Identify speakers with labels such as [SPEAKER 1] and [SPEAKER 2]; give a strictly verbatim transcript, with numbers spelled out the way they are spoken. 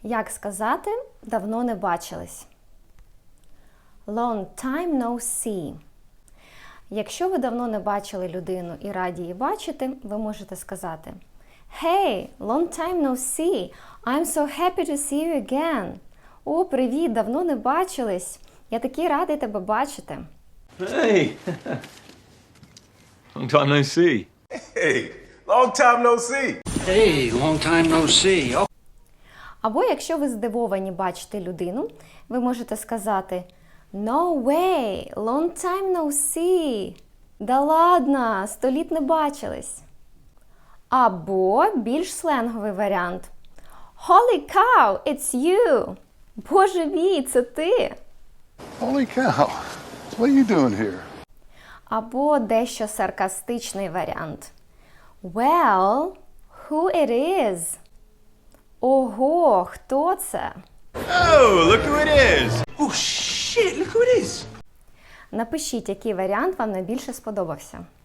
[SPEAKER 1] Як сказати «давно не бачились»? Long time no see. Якщо ви давно не бачили людину і раді її бачити, ви можете сказати Hey, long time no see. I'm so happy to see you again. О, привіт, давно не бачились. Я такий радий тебе бачити.
[SPEAKER 2] Hey! Long time no see.
[SPEAKER 3] Hey, long time no see.
[SPEAKER 4] Hey, long time no see. Oh.
[SPEAKER 1] Або якщо ви здивовані бачити людину, ви можете сказати No way, long time no see. Да ладно, сто літ не бачились. Або більш сленговий варіант. Holy cow, it's you. Боже мій, це ти.
[SPEAKER 5] Holy cow, what are you doing here?
[SPEAKER 1] Або дещо саркастичний варіант. Well, who it is? Ого, хто це?
[SPEAKER 3] Oh, look who it is.
[SPEAKER 4] Oh shit, look who it is.
[SPEAKER 1] Напишіть, який варіант вам найбільше сподобався.